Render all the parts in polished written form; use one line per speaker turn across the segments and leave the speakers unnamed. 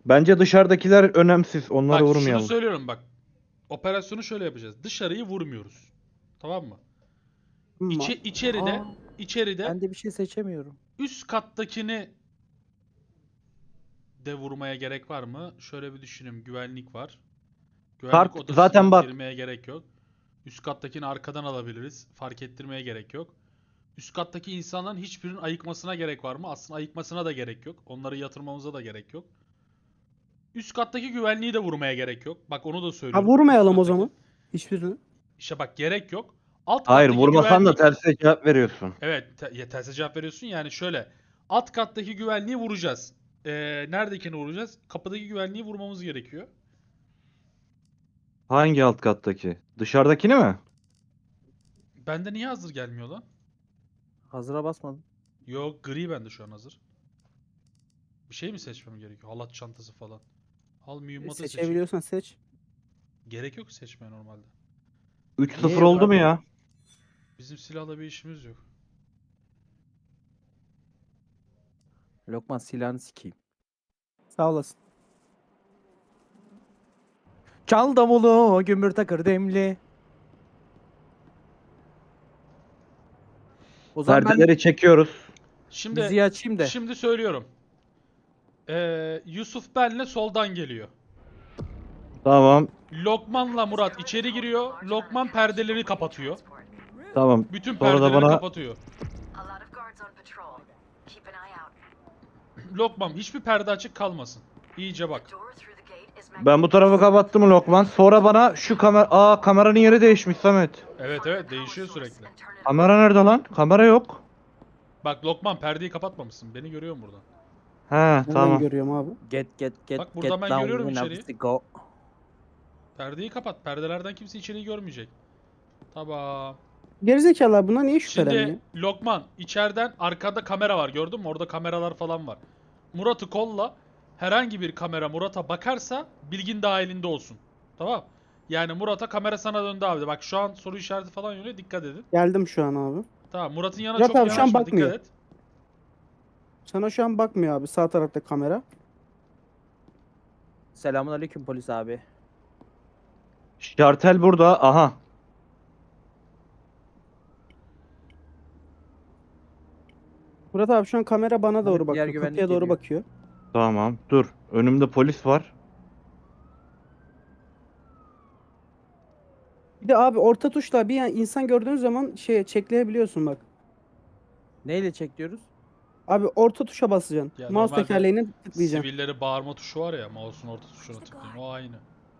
Bence dışarıdakiler önemsiz. Onları
Bak şunu
vurmayalım.
söylüyorum bak. Operasyonu şöyle yapacağız. Dışarıyı vurmuyoruz. Tamam mı?
Ama
İçeride
Aa,
içeride
ben de bir şey seçemiyorum.
üst kattakini de vurmaya gerek var mı? Şöyle bir düşünün. Güvenlik var. Güvenlik
Kart
odasına
zaten bak.
girmeye gerek yok. Üst kattakini arkadan alabiliriz. Fark ettirmeye gerek yok. Üst kattaki insanların hiçbirinin ayıkmasına gerek var mı? Aslında ayıkmasına da gerek yok. Onları yatırmamıza da gerek yok. Üst kattaki güvenliği de vurmaya gerek yok. Bak onu da
ha
söylüyorum.
vurmayalım
Üst
o
kattaki.
zaman. Hiçbirini.
İşte bak gerek yok. Alt
Hayır,
kattaki
vurmasan da
güvenlik.
terse cevap veriyorsun.
Evet, terse cevap veriyorsun. Yani şöyle. Alt kattaki güvenliği vuracağız. Neredekini vuracağız? Kapıdaki güvenliği vurmamız gerekiyor.
Hangi alt kattaki? Dışarıdakini mi?
Bende niye hazır gelmiyor lan?
Hazıra basmadım.
Yok, gri bende şu an hazır. Bir şey mi seçmem gerekiyor? Halat çantası falan. Al mühimmatı seçeyim.
Seçebiliyorsan seç.
Gerek yok seçmeye normalde.
3-0
Niye yok
oldu mu
abi?
ya?
Bizim silahla bir işimiz yok.
Lokman silahını sikeyim.
Sağ olasın.
Çal davulu, gümbür takır demli. O zaman ben
Perdeleri çekiyoruz.
Şimdi
müziği açayım da.
şimdi söylüyorum. Yusuf benle soldan geliyor.
Tamam.
Lokman'la Murat içeri giriyor. Lokman perdeleri kapatıyor.
Tamam.
Bütün
Sonra da
perdeleri
bana
kapatıyor. Lokman hiçbir perde açık kalmasın. İyice bak.
ben bu tarafı kapattım mı Lokman? Sonra bana şu kameranın yeri değişmiş Samet.
Evet değişiyor sürekli.
Kamera nerede lan? Kamera yok.
Bak Lokman perdeyi kapatmamışsın. Beni görüyor musun buradan?
He
Nereden
tamam.
görüyorum abi?
Get
Bak buradan ben
down
görüyorum
when
içeriği.
I go.
Perdeyi kapat. Perdelerden kimse içeriği görmeyecek. Tamam.
Gerizekalılar buna niye şüphelenmiyor?
Şimdi Lokman içeriden arkada kamera var gördün mü? Orada kameralar falan var. Murat'ı kolla. Herhangi bir kamera Murat'a bakarsa bilgin dahilinde olsun. Tamam. Yani Murat'a kamera sana döndü abi. Bak şu an soru işareti falan yöneliyor. Dikkat edin.
Geldim şu an abi.
Tamam. Murat'ın yanına
Murat
çok
abi şu an
yanaşma.
bakmıyor.
Dikkat et.
Sana şu an bakmıyor abi. Sağ tarafta kamera.
Selamun aleyküm polis abi.
Şartel burada. Aha.
Murat abi şu an kamera bana
Abi
doğru
diğer
bakıyor.
güvenlik
Kapıya doğru
geliyor.
bakıyor.
Tamam. Dur. Önümde polis var.
Bir de abi orta tuşla bir insan gördüğün zaman çekleyebiliyorsun bak.
Neyle çek diyoruz?
Abi orta tuşa basacaksın.
Ya
Mouse
normalde
tekerleğini tıklayacaksın.
sivilleri bağırma tuşu var ya. Mouse'un orta tuşuna tıklayın. O aynı.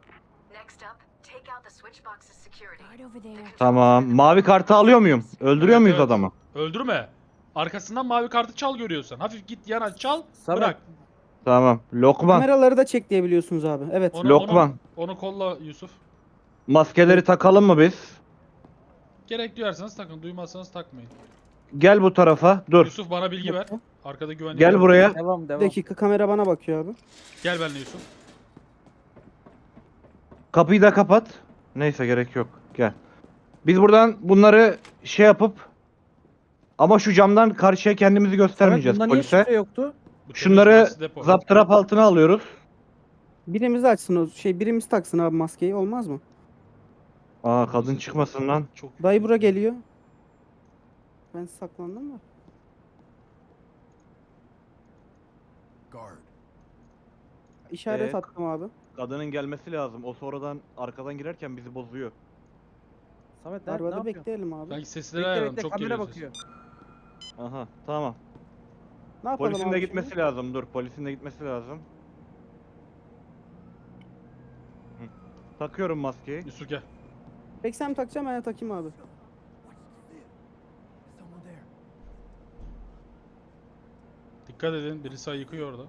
Tamam. Mavi kartı alıyor muyum? Öldürüyor
Evet,
muyuz
evet.
adamı?
Öldürme. Arkasından mavi kartı çal görüyorsan. Hafif git yana çal.
Samet.
Bırak.
Tamam. Lokman.
Kameraları da çekleyebiliyorsunuz abi. Evet.
Lokman.
Onu kolla Yusuf.
Maskeleri
Evet.
takalım mı biz?
Gerek duyarsanız takın. Duymazsanız takmayın.
Gel bu tarafa. Dur.
Yusuf bana bilgi ver.
Dakika.
Arkada güvenlik
Gel
var.
buraya.
Devam
Bir
devam.
dakika kamera bana bakıyor abi.
Gel benimle Yusuf.
Kapıyı da kapat. Neyse gerek yok. Gel. Biz buradan bunları şey yapıp ama şu camdan karşıya kendimizi
Samet
göstermeyeceğiz
bunda niye
polise.
şifre yoktu?
Bu temiz
Şunları
burası depo.
zaptırap altına alıyoruz.
Birimiz açsın o birimiz taksın abi maskeyi olmaz mı?
Aa
Burası
kadın
depo.
çıkmasın lan.
Çok
Dayı
yüklü.
bura geliyor. Ben saklandım da. İşaret
Ee,
attım abi.
Kadının gelmesi lazım. O sonradan arkadan girerken bizi bozuyor.
Samet ne
Arabada
yapıyorsun?
bekleyelim abi.
Sanki sesleri
Bekle
ayarladım.
bekle
Çok
kamera
geliyor ses.
bakıyor.
Aha tamam.
Ne yapalım
Polisin
abi
de
şimdi?
gitmesi lazım. Dur polisin de gitmesi lazım. Hı. Takıyorum maskeyi.
Yusuf gel.
Peki sen mi takacağım ben de takayım abi.
Dikkat edin. Birisi yıkıyor orada.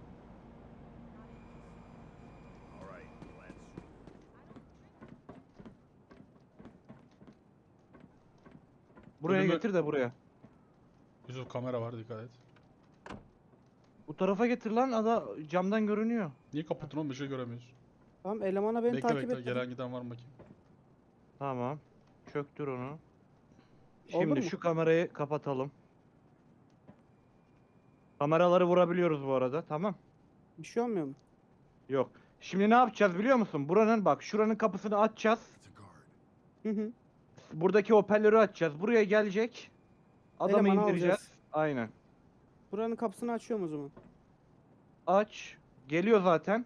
Buraya
Ölümü-
getir de buraya.
Yusuf kamera var dikkat et.
Bu tarafa getir lan. Camdan görünüyor.
Niye kapattın oğlum? Bir şey göremiyoruz.
Tamam elemana beni
Bekle
takip
bekle.
et.
Gelen giden var mı bakayım.
Tamam. Çöktür onu.
Olur
Şimdi
mu?
şu kamerayı kapatalım. Kameraları vurabiliyoruz bu arada. Tamam.
Bir şey olmuyor mu?
Yok. Şimdi ne yapacağız biliyor musun? Buranın bak şuranın kapısını açacağız.
Hı hı.
Buradaki hoparlörü açacağız. Buraya gelecek. Adamı
Elemanı
indireceğiz.
alacağız.
Aynen.
Buranın kapısını açıyorum o zaman.
Aç. Geliyor zaten.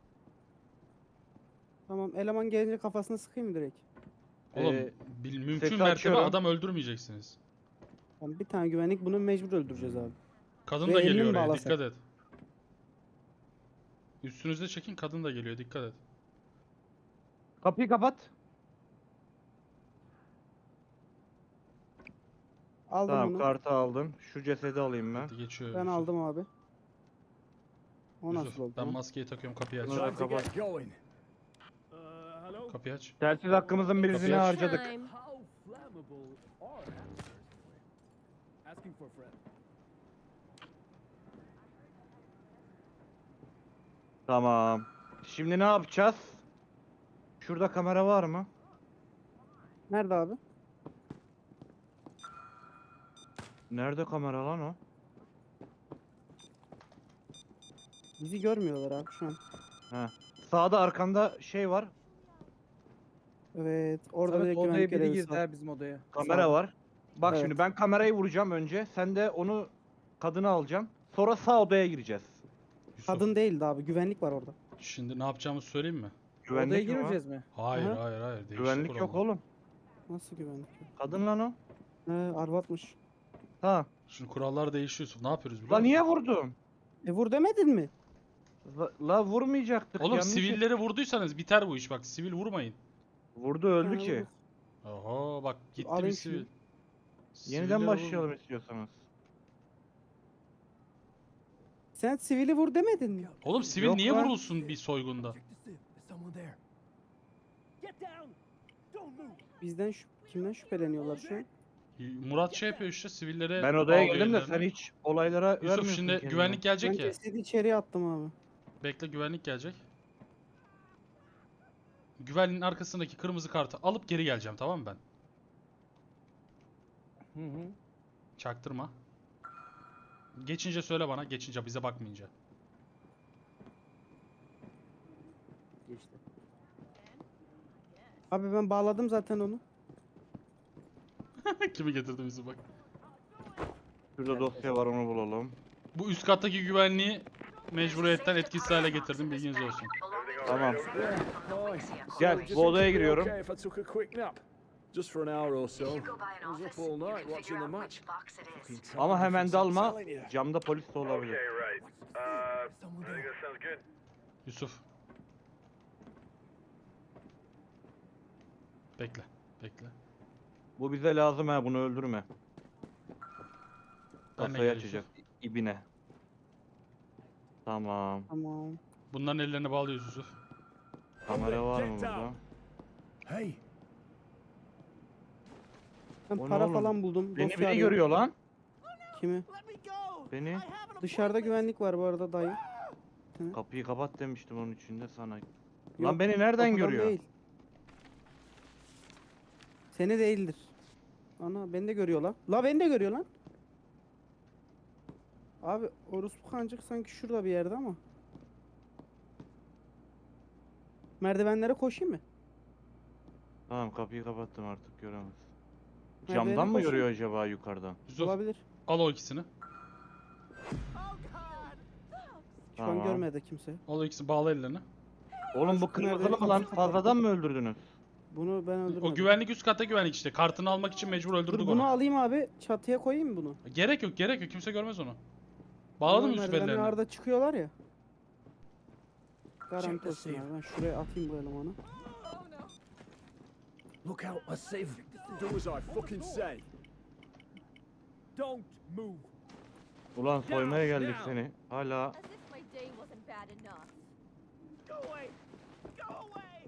Tamam, eleman gelince kafasına sıkayım mı direkt?
Oğlum
Ee,
mümkün
sesi
mertebe
açıyorum.
adam öldürmeyeceksiniz.
Tamam, bir tane güvenlik, bunu mecbur öldüreceğiz abi.
Kadın
Ve
da
elini
geliyor
mi
oraya,
bağlasak?
dikkat et. Üstünüzde çekin, kadın da geliyor, dikkat et.
Kapıyı kapat.
Aldım
Tamam
bunu.
kartı aldın. Şu cesedi alayım ben.
Hadi geçiyor
Ben
Yusuf.
aldım abi. O
Yusuf,
nasıl oldu?
ben
lan?
maskeyi takıyorum, kapıyı aç.
Bunu da kapat.
Kapıyı aç.
Telsiz hakkımızın birisini
Kapıyı aç.
harcadık.
Time.
How flammable are hamsters? Asking for a friend.
Tamam. Şimdi ne yapacağız? Şurada kamera var mı?
Nerede abi?
Nerede kamera lan o?
Bizi görmüyorlar abi şu an.
He. Sağda arkanda şey var.
Evet. Orada
Samet
bir
odaya
güvenlik
biri
görevlisi
girdi
var.
ha bizim odaya.
Kamera
Sağda.
var. Bak
Evet.
şimdi ben kamerayı vuracağım önce. Sen de onu kadını alacaksın. Sonra sağ odaya gireceğiz.
Yusuf,
Kadın değildi abi. Güvenlik var orada.
şimdi ne yapacağımızı söyleyeyim mi?
Güvenlik
Odaya
mi var?
girmeyeceğiz mi?
Hayır,
Aha.
hayır, hayır. Değişik
Güvenlik yok
kurallar.
oğlum.
Nasıl güvenlik yok?
Kadın lan o.
Arvatmış.
Ha.
Şimdi kurallar değişiyor Yusuf. Ne yapıyoruz biliyor
La
musun?
niye vurdun?
Vur demedin mi?
La vurmayacaktık.
Oğlum
yanlış-
sivilleri vurduysanız biter bu iş, bak sivil vurmayın.
Vurdu öldü
Ha,
ki.
vur.
Oho bak gitti bir
alayım
sivil.
şunu.
Yeniden
Sivilleri
başlayalım
vurma.
istiyorsanız.
Sen sivili vur demedin mi?
Oğlum sivil
Yok
niye
lan.
vurulsun bir soygunda?
Check the sieve. There's someone there. Get down. Don't move.
Bizden kimden şüpheleniyorlar şu an?
Murat şey yapıyor işte, sivillere
Ben odaya
bağlıyor
geldim de
ellerini.
sen hiç olaylara
Yusuf
vermiyorsun
şimdi
kendini.
güvenlik
Ben
gelecek ya.
cesedi içeriye attım abi.
Bekle, güvenlik gelecek. Güvenliğin arkasındaki kırmızı kartı alıp geri geleceğim, tamam mı ben?
Hı hı.
Çaktırma. Geçince söyle bana, geçince bize bakmayınca.
Geçti. Abi ben bağladım zaten onu.
Kimi getirdi bizi bak.
Şurada dosya var onu bulalım.
Bu üst kattaki güvenliği mecburiyetten etkisiz hale getirdim, bilginiz olsun.
Tamam.
Fine.
Gel,
So, just
bu odaya
think it'd be
giriyorum.
Okay if I took a quick nap. Just for an hour or so. I was up all night watching the match. Fucking tired
Ama hemen
difference, I'm
dalma.
telling you.
Camda polis de olabilir.
right.
There's someone there.
Sounds good.
Yusuf. Bekle, bekle.
Bu bize lazım ha, bunu öldürme.
Benle
Kasayı
gel
açacağız. İbine. Tamam.
Tamam.
Bunların ellerini bağlıyoruz Yusuf.
Kamera var mı
Get
burada?
down. Hey.
Ben
O ne
para
oğlum?
falan buldum.
Beni
dosya
biri
arıyorum.
görüyor lan.
Kimi?
Beni.
Dışarıda güvenlik var bu arada dayı.
Kapıyı kapat demiştim onun içinde sana.
Yok,
Lan beni nereden
kapıdan
görüyor?
Değil. Seni değildir. Ana beni de görüyor lan. La beni de görüyor lan. Abi orospu kancık sanki şurada bir yerde ama. Merdivenlere koşayım mı?
Tamam kapıyı kapattım artık göremez.
Merdivene
Camdan mı
koşayım.
görüyor acaba yukarıdan?
Yusuf
Olabilir.
al o ikisini.
Şu an
Tamam.
görmedi kimse.
Al o ikisini, bağla ellerini.
Oğlum bu
Merdiveni
kırmızılı mı lan?
kapattım.
Fazladan mı öldürdünüz?
Bunu ben öldürmedim.
O güvenlik üst katta güvenlik işte. Kartını almak için mecbur
Dur
öldürdük
bunu
onu.
alayım abi. Çatıya koyayım mı bunu?
Gerek yok, gerek yok. Kimse görmez onu. Bağladın mı Yusuf
Merdivenler
ellerini?
arada çıkıyorlar ya. Garanti
Check the
olsun
safe.
abi. Ben şuraya atayım bu elemanı.
Look out, my safe. Do as I fucking say. Don't move.
Ulan soymaya geldik seni. Hala
As if my day wasn't bad enough.
Go away. Go away.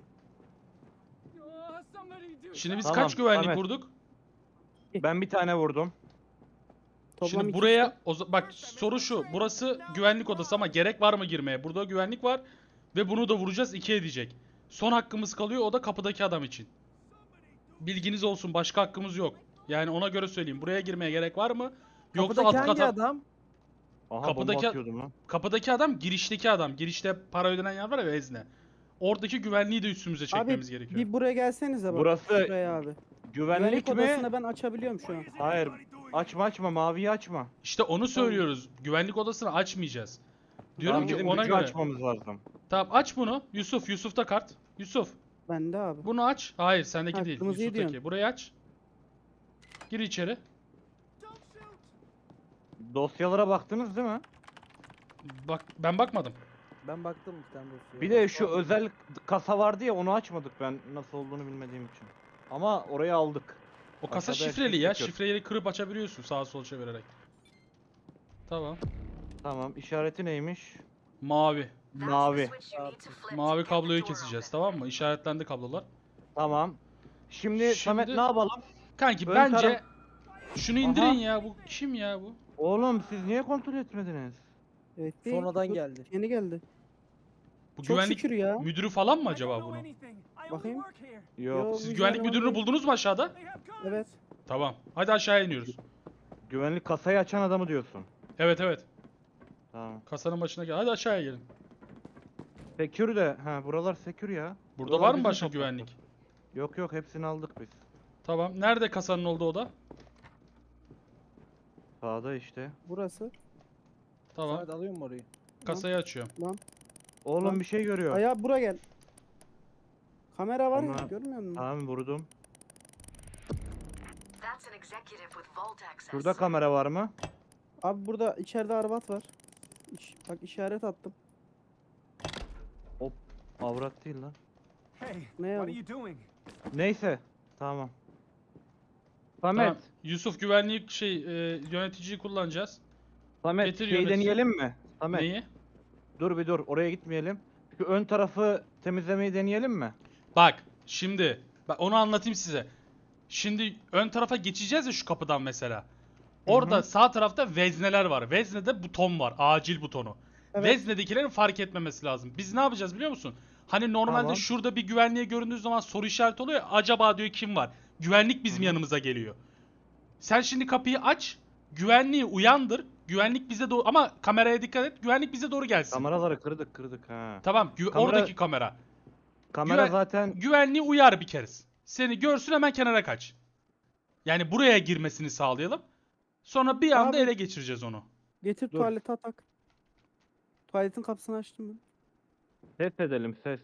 Somebody do
Şimdi biz
Tamam,
kaç güvenlik
Ahmet.
vurduk?
ben bir tane vurdum.
Toplam
Şimdi
iki-
buraya bak soru şu. Burası güvenlik odası ama gerek var mı girmeye? Burada güvenlik var ve bunu da vuracağız, 2 edecek. Son hakkımız kalıyor, o da kapıdaki adam için. Bilginiz olsun, başka hakkımız yok. Yani ona göre söyleyeyim. Buraya girmeye gerek var mı? Yoksa
Kapıdaki
alt
hangi
kata
adam?
Aha
Kapıdaki-
bomba atıyordum lan.
Kapıdaki adam girişteki adam. Girişte para ödenen yer var ya, vezne. Oradaki güvenliği de üstümüze çekmemiz
Abi
gerekiyor.
bir buraya gelsenize bak.
Burası
Şuraya abi.
Güvenlik mi?
odasını ben açabiliyorum şu an.
Hayır. Açma maviyi açma.
İşte onu söylüyoruz. Güvenlik odasını açmayacağız. Diyorum
Tamam,
ki
bizim
ona
gücü
göre.
açmamız lazım.
Tamam, aç bunu. Yusuf'ta kart. Yusuf,
Bende abi.
bunu aç. Hayır, sendeki
Ha,
değil.
kırmızıyı
Yusuf'taki.
diyorsun.
Burayı aç. Gir içeri.
Dosyalara baktınız değil mi?
Bak, ben bakmadım.
Ben baktım bir tane dosyaya.
Bir de şu özel kasa vardı ya, onu açmadık ben nasıl olduğunu bilmediğim için. Ama orayı aldık.
O kasa
Aşağıda
şifreli
eşlik
ya.
ediyor.
Şifreyi kırıp açabiliyorsun sağa sola çevirerek. Tamam.
Tamam, işareti neymiş?
Mavi.
Mavi.
Mavi kabloyu keseceğiz, tamam mı? İşaretlendi kablolar.
Tamam. Şimdi Samet
Şimdi-
ne yapalım?
Kanki
Ön
bence
taraf-
şunu indirin ya. Bu kim ya bu?
Oğlum siz niye kontrol etmediniz?
Evet değil.
Sonradan
Bu
geldi.
Yeni geldi.
Bu
Çok
güvenlik
şükür ya.
müdürü falan mı acaba bunun?
Bakayım.
Yok.
Yo.
Siz
Müdür
güvenlik
eleman
müdürünü
değil.
buldunuz mu aşağıda?
Evet.
Tamam. Hadi aşağıya iniyoruz.
Güvenlik kasayı açan adamı diyorsun.
Evet evet.
Tamam.
Kasanın başına gel. Hadi aşağıya gelin.
Secure de. Ha, buralar secure ya.
Burada
Buralar
var mı
bizim
başka
topraklar.
güvenlik?
Yok hepsini aldık biz.
Tamam. Nerede kasanın olduğu oda?
Sağda işte.
Burası.
Tamam.
Samet alıyor mu orayı?
Kasayı açıyorum.
Oğlum
Lan.
bir şey görüyor.
Aya bura gel. Kamera var ya,
Ama-
görmüyor musun?
Tamam vurdum.
That's an executive with vault access.
Şurada kamera var mı?
Abi burada içeride arabat var. Bak işaret attım.
Avrat değil lan.
Ne ya?
Neyse. Tamam. Samet.
Tamam. Yusuf güvenlik yöneticiyi kullanacağız.
Samet
Getir
şey
yönetici.
deneyelim mi? Samet.
Neyi?
Dur oraya gitmeyelim. Şu ön tarafı temizlemeyi deneyelim mi?
Bak şimdi onu anlatayım size. Şimdi ön tarafa geçeceğiz ya şu kapıdan mesela. Orada sağ tarafta vezneler var. Veznede buton var. Acil butonu.
Evet.
Veznedekilerin fark etmemesi lazım. Biz ne yapacağız biliyor musun? Hani normalde
Tamam.
şurada bir güvenliğe göründüğü zaman soru işareti oluyor ya. Acaba diyor kim var? Güvenlik bizim yanımıza geliyor. Sen şimdi kapıyı aç. Güvenliği uyandır. Güvenlik bize doğru, ama kameraya dikkat et. Güvenlik bize doğru gelsin.
Kameraları kırdık ha.
Tamam.
Kamera-
Oradaki kamera.
Kamera
Güven-
zaten
Güvenliği uyar bir kez. Seni görsün, hemen kenara kaç. Yani buraya girmesini sağlayalım. Sonra bir anda
Abi-
ele geçireceğiz onu.
Getir
Dur.
tuvalete atak. Tuvaletin kapısını açtım ben.
ses edelim ses.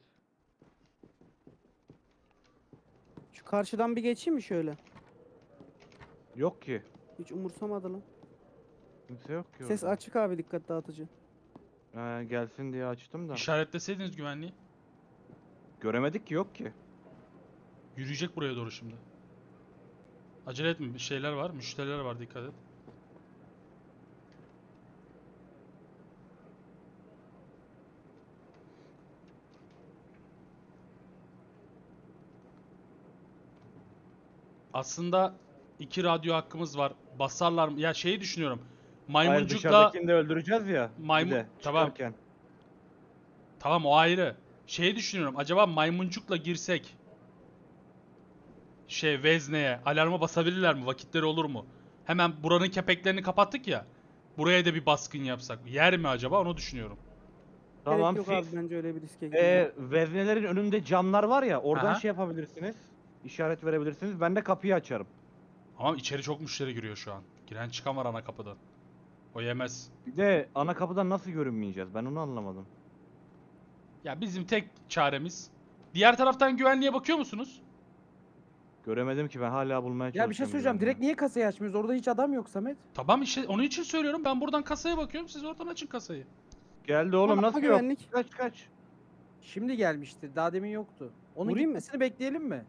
Şu karşıdan bir geçeyim mi şöyle?
Yok ki.
Hiç umursamadı lan.
Kimse yok ki
Ses
orada.
açık abi, dikkat dağıtıcı.
Gelsin diye açtım da.
İşaretleseydiniz güvenliği.
Göremedik ki, yok ki.
Yürüyecek buraya doğru şimdi. Acele etme, bir şeyler var, müşteriler var, dikkat et. Aslında 2 radyo hakkımız var. Basarlar mı? Ya şeyi düşünüyorum.
Hayır,
Maymuncukla
dışarıdakini de öldüreceğiz ya.
Maymun-
Bir de
tamam.
çıkarken.
Tamam, o ayrı. Şeyi düşünüyorum. Acaba maymuncukla girsek vezneye alarma basabilirler mi? Vakitleri olur mu? Hemen buranın kepeklerini kapattık ya. Buraya da bir baskın yapsak. Yer mi acaba? Onu düşünüyorum.
Tamam.
Gerek yok abi, bence öyle bir riske girmeyin.
Veznelerin önünde camlar var ya, oradan
Aha.
şey yapabilirsiniz. İşaret verebilirsiniz. Ben de kapıyı açarım.
Ama içeri çok müşteri giriyor şu an. Giren çıkan var ana kapıdan. O yemez.
Bir de ana kapıdan nasıl görünmeyeceğiz? Ben onu anlamadım.
Ya bizim tek çaremiz. Diğer taraftan güvenliğe bakıyor musunuz?
Göremedim ki, ben hala bulmaya çalışıyorum.
Ya bir şey söyleyeceğim.
güvenliği.
Direkt niye kasayı açmıyoruz? Orada hiç adam yok Samet.
Tamam işte onun için söylüyorum. Ben buradan kasaya bakıyorum. Siz oradan açın kasayı.
Geldi oğlum,
Ama
nasıl yok?
güvenlik.
Kaç.
Şimdi gelmiştir. Daha demin yoktu. Onun
Vurayım mı?
gitmesini bekleyelim mi?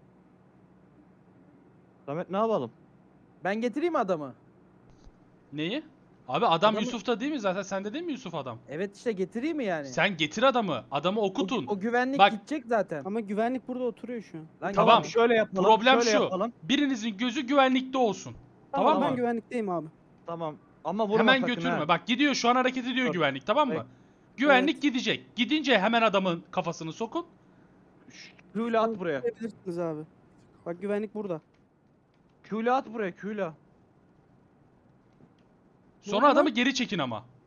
Samet ne yapalım?
Ben getireyim adamı.
Neyi? Abi adam
Adamı-
Yusuf'ta değil mi zaten? Sende değil mi Yusuf adam?
Evet işte getireyim mi yani?
Sen getir adamı. Adamı okutun.
O güvenlik
Bak-
gidecek zaten.
Ama güvenlik burada oturuyor şu an.
Lan
Tamam.
gel-
Şöyle yapalım.
Problem
şöyle
şu.
Yapalım.
Birinizin gözü güvenlikte olsun. Tamam
Ben
mı?
güvenlikteyim abi.
Tamam. Ama vurma
Hemen
sakın
götürme.
ha.
Bak gidiyor şu an, hareket ediyor
Dur.
güvenlik, tamam mı?
Bek-
Güvenlik gidecek. Gidince hemen adamın kafasını sokun.
Q'yle at buraya.
Görebilirsiniz abi. Bak güvenlik burada.
Q'yle at buraya. Q'yle.
Sonra
Burada.
adamı geri çekin ama.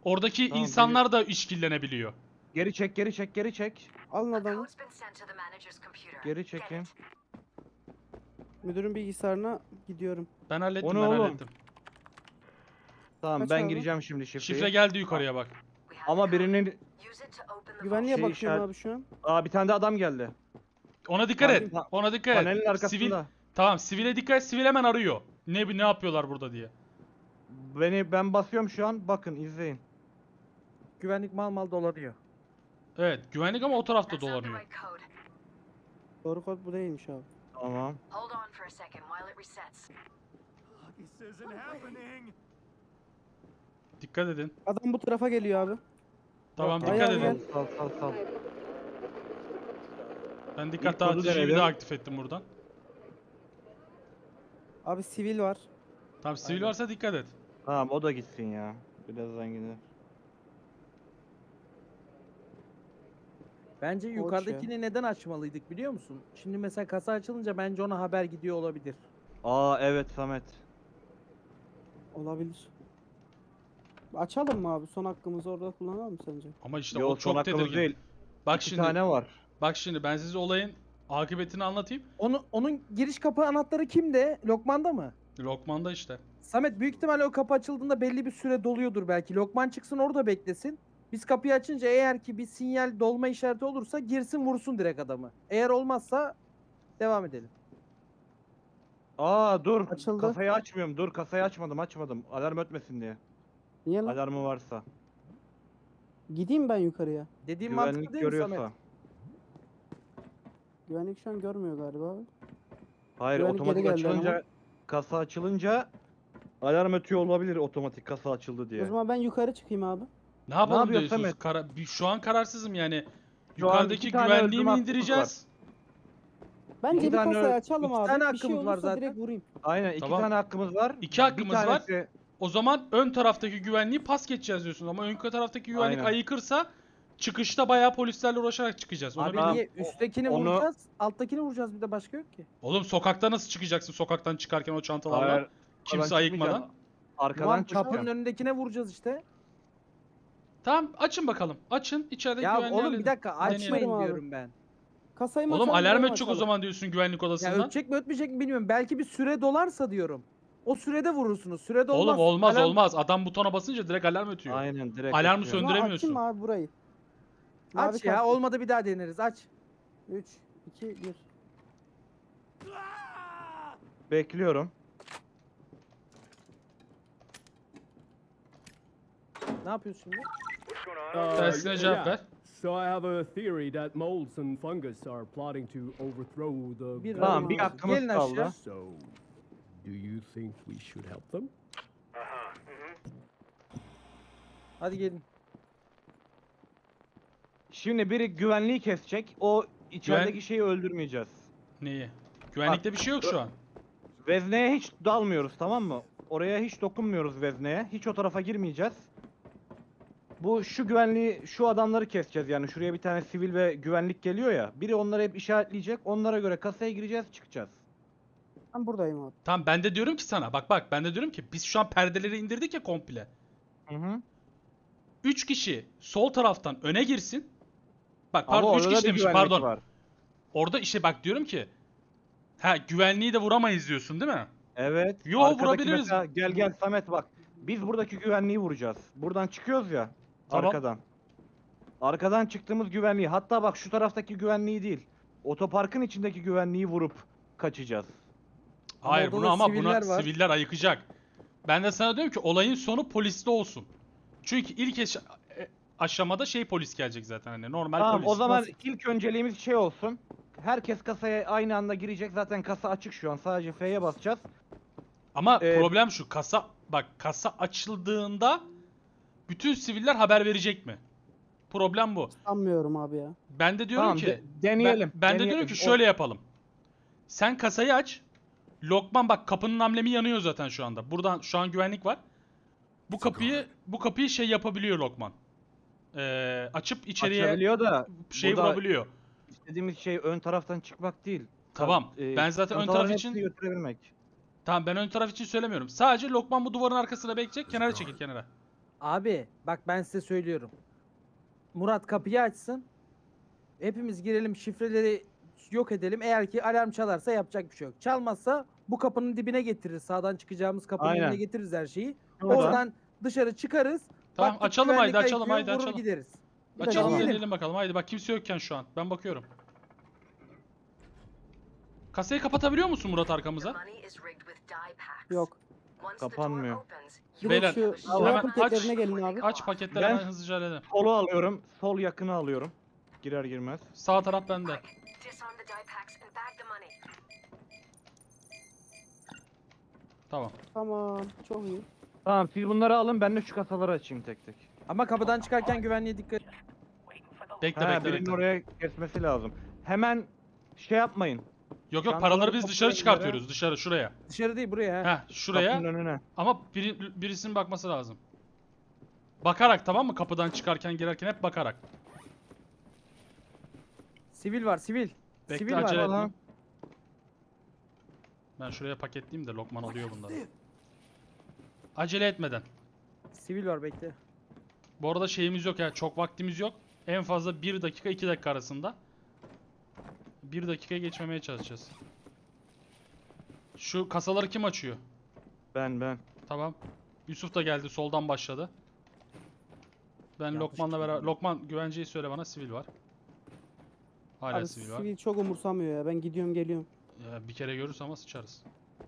Oradaki
Tamam,
insanlar da işkillenebiliyor.
Geri çek, geri çek, geri çek.
Alın
A
adamı.
code's been sent to the manager's computer.
Geri
Get
çekeyim.
it.
Müdürün bilgisayarına gidiyorum.
Ben hallettim,
O ne
ben
oğlum?
hallettim.
Tamam
Kaç
ben
abi?
gireceğim şimdi şifreyi.
Şifre geldi yukarıya bak.
We have
Ama
the code.
birinin...
Use it to open the
Güvenliğe
Şey
bakıyorum
işaret-
abi şu an.
Aa bir tane de adam geldi.
Ona dikkat et.
Pa-
Ona dikkat et.
Panelin arkasında.
Sivil, tamağım, sivile dikkat et. Sivil hemen arıyor. Ne yapıyorlar burada diye.
Ben basıyorum şu an. Bakın izleyin.
Güvenlik mal dolanıyor.
Evet, güvenlik ama o tarafta
That's not the
dolanıyor.
right code.
Doğru kod bu değilmiş abi.
Tamam.
Hold on for a second while it resets.
Dikkat edin.
Adam bu tarafa geliyor abi.
Tamam,
Tamam,
dikkat
Ayağı
edin.
Sal sal sal.
Ben dikkat
İlk kodu
dağıtıcıyı bir
denedim.
daha aktif ettim buradan.
Abi sivil var.
Tamam, sivil
Aynen.
varsa dikkat et.
Tamam o da gitsin ya. Birazdan gider.
Bence
Koç
yukarıdakini neden açmalıydık biliyor musun? Şimdi mesela kasa açılınca bence ona haber gidiyor olabilir.
Aa evet Samet.
Olabilir. Açalım mı abi? Son hakkımızı orada kullanalım mı sence?
Ama işte
Yo
o
son
çok
hakkımız
tedirgin.
değil.
Bak
İki
şimdi,
tane var.
bak şimdi ben size olayın akıbetini anlatayım.
Onun giriş kapı anahtarı kimde? Lokman'da mı?
Lokman'da işte.
Samet büyük ihtimalle o kapı açıldığında belli bir süre doluyordur belki. Lokman çıksın orada beklesin. Biz kapıyı açınca eğer ki bir sinyal dolma işareti olursa girsin vursun direkt adamı. Eğer olmazsa devam edelim.
Aa dur.
Açıldı.
Kasayı açmıyorum. Dur kasayı açmadım. Alarm ötmesin diye.
Niye lan?
Alarmı varsa.
Gideyim ben yukarıya.
Dediğim
Güvenlik
mantıklı değil mi
görüyorsa.
Samet?
Güvenlik şu an görmüyor galiba abi.
Hayır
Güvenlik
otomatik
geri geldi
açılınca
ama.
kasa açılınca alarm ötüyor olabilir otomatik kasa açıldı diye.
O zaman ben yukarı çıkayım abi.
Ne yapalım
yapıyorsun
diyorsunuz?
Samet?
Şu an kararsızım yani.
Şu an
Yukarıdaki
iki tane
güvenliği
öldürme
mi
hakkımız
indireceğiz?
Bence
İki
bir
tane-
kasayı açalım
iki
abi.
tane
Bir
hakkımız
şey
var
olursa
zaten.
direkt vurayım.
Aynen iki
Tamam.
tane hakkımız var.
İki hakkımız
Bir
var.
tanesi-
O zaman ön taraftaki güvenliği pas geçeceğiz diyorsunuz ama ön taraftaki güvenlik
Aynen.
ayıkırsa çıkışta bayağı polislerle uğraşarak çıkacağız. Onu
Abi
bilin.
niye? Üsttekini
onu-
vuracağız, alttakini vuracağız bir de başka yok ki.
Oğlum sokakta nasıl çıkacaksın sokaktan çıkarken o çantalarla?
Hayır,
Kimse
arkadan
ayıkmadan.
çıkmayacağım. Arkadan
Ulan
çıkacağım.
kapının önündekine vuracağız işte.
Tamam açın bakalım. Açın içerideki
Ya
güvenliği
oğlum
halledin.
bir dakika
Deneyelim.
açmayın
Abi.
diyorum ben.
Kasayı mı
Oğlum
açalım,
alarm
buraya mı
ötecek o
açalım?
zaman diyorsun güvenlik
Ya
odasından.
ötecek mi ötmeyecek mi bilmiyorum. Belki bir süre dolarsa diyorum. O sürede vurursunuz. Sürede olmaz.
Oğlum olmaz
Alarm-
olmaz. Adam butona basınca direkt alarm ötüyor.
Aynen direkt
Alarmı
ötüyor.
O zaman
söndüremiyorsun.
açayım mı abi burayı?
Aç ya olmadı bir daha deneriz aç.
3, 2, 1.
Bekliyorum.
Ne yapıyorsun şimdi?
Tersine cevap ver.
So I have a theory that molds and fungus are plotting to overthrow the
Bir
Tamam
Tamam
bir
abi.
hakkımız
Gelin
kaldı.
aşağı.
So, do you think we should help them?
Hadi gelin.
Şimdi biri güvenliği kesecek. O içerideki şeyi öldürmeyeceğiz.
Neyi? Güvenlikte bir şey yok şu an.
Vezneye hiç dalmıyoruz tamam mı? Oraya hiç dokunmuyoruz vezneye. Hiç o tarafa girmeyeceğiz. Şu güvenliği, şu adamları keseceğiz yani. Şuraya bir tane sivil ve güvenlik geliyor ya. Biri onları hep işaretleyecek. Onlara göre kasaya gireceğiz, çıkacağız.
Ben buradayım abi.
Tamam ben de diyorum ki sana bak ben de diyorum ki biz şu an perdeleri indirdik ya komple.
Hı hı.
3 kişi sol taraftan öne girsin. Bak
Ama
pardon 3
orada da
kişi
bir
demişim
güvenlik
pardon.
var.
Orada işte bak diyorum ki. Ha güvenliği de vuramayız diyorsun değil mi?
Evet.
Yo,
arkadaki
vurabiliriz.
mesela- gel Samet bak. Biz buradaki güvenliği vuracağız. Buradan çıkıyoruz ya.
Tamam.
Arkadan. Arkadan çıktığımız güvenliği. Hatta bak şu taraftaki güvenliği değil. Otoparkın içindeki güvenliği vurup kaçacağız.
Ama
Hayır
orada
bunu
da
ama buna
siviller var.
siviller ayıkacak. Ben de sana diyorum ki olayın sonu poliste olsun. Çünkü ilk aşamada polis gelecek zaten hani normal
Tamam
polis.
o zaman
Basit.
ilk önceliğimiz şey olsun. Herkes kasaya aynı anda girecek. Zaten kasa açık şu an. Sadece F'ye basacağız.
Ama
Ee,
problem şu kasa açıldığında bütün siviller haber verecek mi? Problem bu.
Sanmıyorum abi ya.
Ben de diyorum
Tamam,
ki
deneyelim.
ben de diyorum
deneyelim.
ki şöyle yapalım. Sen kasayı aç. Lokman bak kapının amblemi yanıyor zaten şu anda. Buradan şu an güvenlik var. Bu kapıyı yapabiliyor Lokman. Açıp içeriye
Açabiliyor da burada
vurabiliyor.
istediğimiz şey ön taraftan çıkmak değil.
Tamam. Ben zaten ön
çantaların
taraf
hepsini
için
götürebilmek.
tamam ben ön taraf için söylemiyorum. Sadece Lokman bu duvarın arkasına bekleyecek. Kenara çekil kenara.
Abi bak ben size söylüyorum. Murat kapıyı açsın. Hepimiz girelim, şifreleri yok edelim. Eğer ki alarm çalarsa yapacak bir şey yok. Çalmazsa bu kapının dibine getiririz. Sağdan çıkacağımız kapının
Aynen.
önüne getiririz her şeyi.
Şuradan.
Oradan dışarı çıkarız.
Tamam,
Baktık
açalım,
güvenlik
haydi, açalım,
ayıkıyor,
haydi,
vurur
açalım.
gideriz. Bir de
Açalım
deneyelim.
deneyelim bakalım. Haydi bak, kimse yokken şu an. Ben bakıyorum. Kasayı kapatabiliyor musun Murat
The
arkamıza?
money is rigged with die packs.
Yok.
Once the door
Kapanmıyor.
opens,
Direkt
Beyler,
şu
hemen
silah paketlerine gelin abi.
Aç paketleri,
Ben-
hemen hızlıca halledelim.
Solu alıyorum. Sol yakını alıyorum. Girer girmez.
Sağ taraf bende.
disarm the die packs and bag the money.
Tamam.
Tamam. Çok iyi.
Tamam siz bunları alın ben de şu kasaları açayım tek tek.
Ama kapıdan çıkarken güvenliğe dikkat.
Bekle
Ha,
bekle
birinin
bekle.
oraya kesmesi lazım. Hemen şey yapmayın.
Yok yok,
Çantaları
paraları biz dışarı
toplayın
çıkartıyoruz. Dışarı, şuraya.
Dışarı değil buraya. ha.
Heh, şuraya.
Kapının önüne.
Ama birisinin bakması lazım. Bakarak, tamam mı? Kapıdan çıkarken girerken hep bakarak.
Sivil var, sivil.
Bekle,
Sivil var.
acele etme.
Falan.
Ben şuraya paketleyeyim de Lokman alıyor bunları. Acele etmeden.
Sivil var, bekle.
Bu arada şeyimiz yok ya, çok vaktimiz yok. En fazla 1 dakika 2 dakika arasında. 1 dakikaya geçmemeye çalışacağız. Şu kasaları kim açıyor?
Ben.
Tamam. Yusuf da geldi, soldan başladı. Ben
Yanlış
Lokman'la beraber...
çıktı.
Lokman, güvenceyi söyle bana, sivil var. Hala
Abi
sivil var.
sivil çok umursamıyor ya. Ben gidiyorum geliyorum.
Ya, bir kere görürüz ama sıçarız.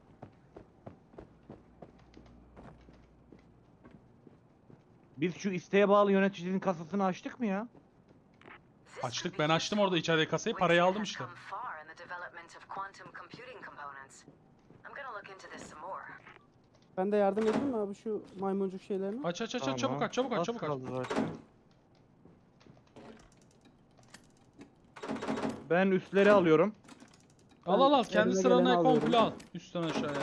Biz şu isteğe bağlı yöneticinin kasasını açtık mı ya?
This
Açtık,
could be
ben açtım orada içeride kasayı, parayı
Wizard
aldım
has
işte.
come far in the development of quantum computing components. I'm gonna look into this some more.
Ben de yardım edeyim mi abi şu maymuncuk şeylerine?
Aç aç aç aç,
Tamam.
çabuk aç, çabuk aç,
Az
çabuk aç.
kaldı zaten. Ben üstleri alıyorum.
Al al al, kendi
elime
sıranı
geleni alıyorum.
komple al. Üstten aşağıya.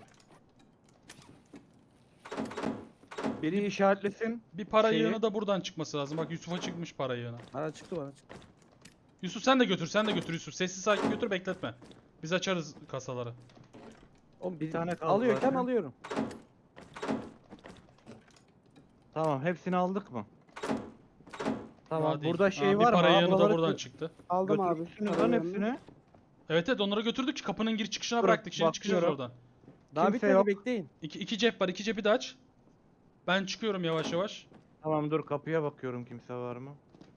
Biri işaretlesin.
Bir para
Şeyi-
yığını da buradan çıkması lazım. Bak Yusuf'a çıkmış para yığını.
Bana çıktı, bana çıktı.
Yusuf sen de götür, sen de götür Yusuf. Sessiz sakin götür, bekletme. Biz açarız kasaları.
Oğlum bir
tane kaldı
alıyorken
zaten.
alıyorum.
Tamam hepsini aldık mı? Tamam
Daha değil.
burada şey
Aa,
var
bir para
mı?
yığını da
Buraları
buradan çıktı.
Aldım abi.
götürmüşsünüz
parayı
lan
yanına.
hepsini.
Evet evet, onları götürdük. Kapının giriş çıkışına
Dur,
bıraktık. Şimdi çıkacağız
bakıyorum.
oradan.
Daha
Kimse
bitmedi,
yok.
bekleyin.
İki cep var. İki cepi de aç. Ben çıkıyorum yavaş yavaş.
Tamam dur kapıya bakıyorum kimse var mı?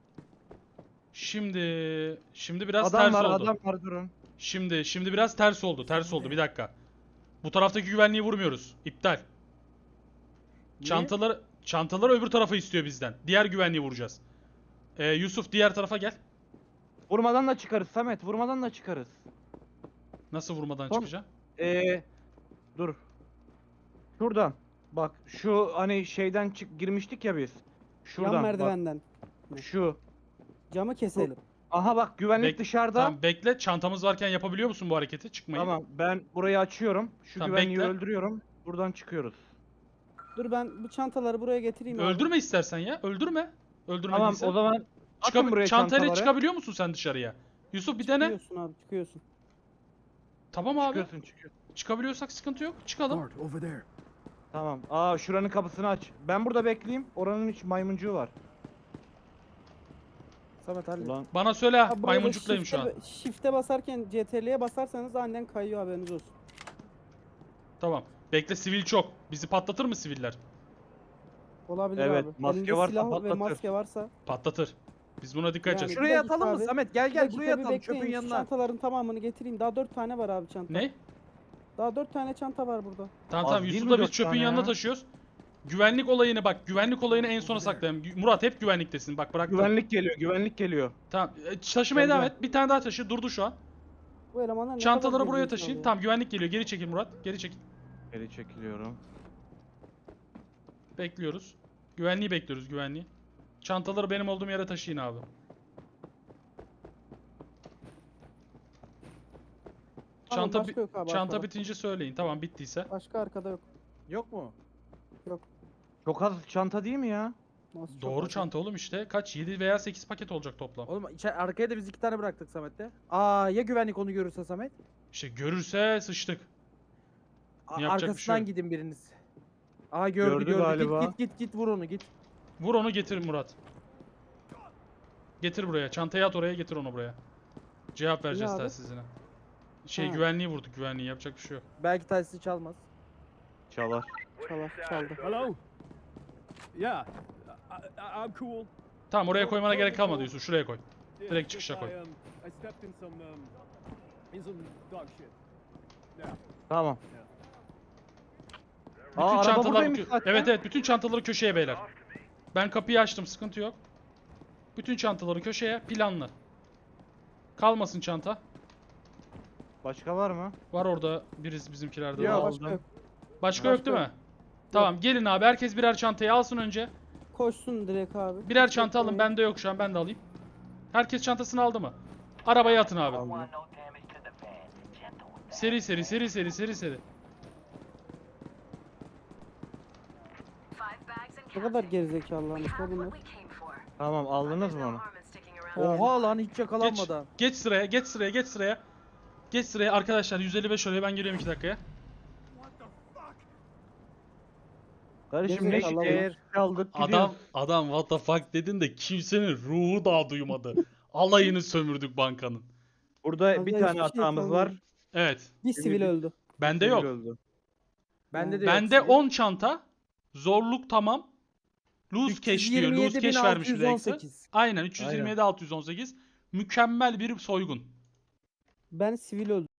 Şimdi biraz
Adam
ters
var
oldu.
adam var durun.
Şimdi biraz ters oldu. Ters oldu. Bir dakika. Bu taraftaki güvenliği vurmuyoruz. İptal. Çantaları öbür tarafa istiyor bizden. Diğer güvenliği vuracağız. Yusuf diğer tarafa gel.
Vurmadan da çıkarız Samet vurmadan da çıkarız.
Nasıl vurmadan
Son-
çıkacağım?
Dur. Şuradan. Bak şu hani şeyden girmiştik ya biz. Şuradan
Yan
bak.
merdivenden.
Şu.
Camı keselim.
Aha bak güvenlik
Bek-
dışarıda.
Tamam bekle. Çantamız varken yapabiliyor musun bu hareketi? Çıkmayı.
Tamam ben burayı açıyorum. Şu
Tamam,
güvenliği
bekle.
öldürüyorum. Buradan çıkıyoruz.
Dur ben bu çantaları buraya getireyim abi.
Öldürme istersen ya. Öldürme. Öldürme
Tamam
değilse.
o zaman atın buraya
Çantayla
çantaları.
çıkabiliyor musun sen dışarıya? Yusuf bir dene.
Çıkıyorsun abi çıkıyorsun.
Tamam abi.
Çıkıyorsun.
Çıkabiliyorsak sıkıntı yok. Çıkalım.
Guard, over there.
Tamam. Aa şuranın kapısını aç. Ben burada bekleyeyim. Oranın hiç maymuncuğu var.
Samet hallet.
Ulan
Bana söyle.
Ha, buraya da
Maymuncuktayım şu an.
Shift'e basarken CTRL'ye basarsanız aniden kayıyor haberiniz olsun.
Tamam. Bekle, sivil çok. Bizi patlatır mı siviller?
Olabilir
Evet,
abi.
maske
Elinde
varsa
silah ve
patlatır.
maske varsa.
Patlatır. Biz buna dikkat edeceğiz.
Yani-
Şuraya
Bir dakika
atalım mı
abi.
Samet? Gel
Bir
gel
dakika
buraya
bir
atalım
bekleyin,
çöpün
şu
yanına.
Çantaların tamamını getireyim. Daha 4 tane var abi çanta.
Ne?
Daha 4 tane çanta var burada.
Tamam
Az
tamam,
değil mi
Yusuf'la biz
dört
çöpün
tane
yanına
ya?
taşıyoruz. Güvenlik olayını bak, güvenlik olayını en sona saklayalım. Murat hep güvenliktesin. Bak bıraktım.
güvenlik geliyor.
Tamam. Taşımaya
Gel,
devam
gel.
et. Bir tane daha taşı. Durdu şu an.
Bu elemanlar ne
Çantaları
kadar
buraya
gerizekalı
taşıyın.
ya.
Tamam, güvenlik geliyor. Geri çekil Murat. Geri çekil.
Geri çekiliyorum.
Bekliyoruz. Güvenliği bekliyoruz, güvenliği. Çantaları benim olduğum yere taşıyın abi.
Tamam,
Çanta
başka yok abi
çanta
arkada.
bitince söyleyin. Tamam, bittiyse.
Başka arkada yok.
Yok mu?
Çok az çanta değil mi ya?
Nasıl çok
Doğru
az?
çanta oğlum işte. Kaç? 7 veya 8 paket olacak toplam.
Oğlum arkaya da biz 2 tane bıraktık Samet'te. Aa ya güvenlik onu görürse Samet?
İşte görürse sıçtık. Yapacak bir şey
Arkasından
yok.
gidin biriniz. Aa gördü
Gördü
gördü.
galiba.
Git vur onu git.
Vur onu, getir Murat. Getir buraya. Çantayı at oraya, getir onu buraya. Cevap vereceğiz
abi?
telsizine.
Ha.
Güvenliği vurduk, güvenliği. Yapacak bir şey yok.
Belki telsizi çalmaz.
Çalar.
Çaldı.
Hello? Yeah, I'm cool.
Tamam, oraya koymana gerek kalmadı Yusuf. Şuraya koy.
Yeah,
Direkt
just
çıkışa koy.
I stepped in some dog shit. Yeah.
Tamam.
Bütün
Aa, araba
çantalar
buradaymış zaten.
Evet, bütün çantaları köşeye beyler. Ben kapıyı açtım, sıkıntı yok. Bütün çantaları köşeye, planlı. Kalmasın çanta.
Başka var mı?
Var orada bizimkilerde.
Yok
Var.
başka yok.
Başka yok değil mi? Tamam, gelin abi, herkes birer çantayı alsın önce.
Koşsun direkt abi.
Birer çanta alın, bende yok şu an, ben de alayım. Herkes çantasını aldı mı? Arabaya atın abi. Seri.
Five bags and
Ne kadar gerizekalılarmış
have
la bunlar.
what we came for.
Tamam, aldınız mı
No
onu?
harm in sticking around.
Oha lan hiç
Geç,
yakalanmadan.
geç sıraya, geç sıraya, geç sıraya. Geç sıraya arkadaşlar, 155 oraya, ben geliyorum 2 dakikaya.
Kardeşim ne
Gerizekalı
şeker aldık gidiyoruz.
Adam what the fuck dedin de kimsenin ruhu daha duymadı. Alayını sömürdük bankanın.
Burada bir
Vallahi
tane
hiçbir şey
hatamız var.
yapamadım.
Evet.
Bir sivil öldü.
Bende
Sivil
yok.
öldü.
Bende de yok.
Bende
sivil.
10 çanta. Zorluk tamam. Lose cash diyor. Lose cash vermiş bir de eksi.
327.618.
Aynen 327 618. Mükemmel bir soygun.
Ben sivil öldüm.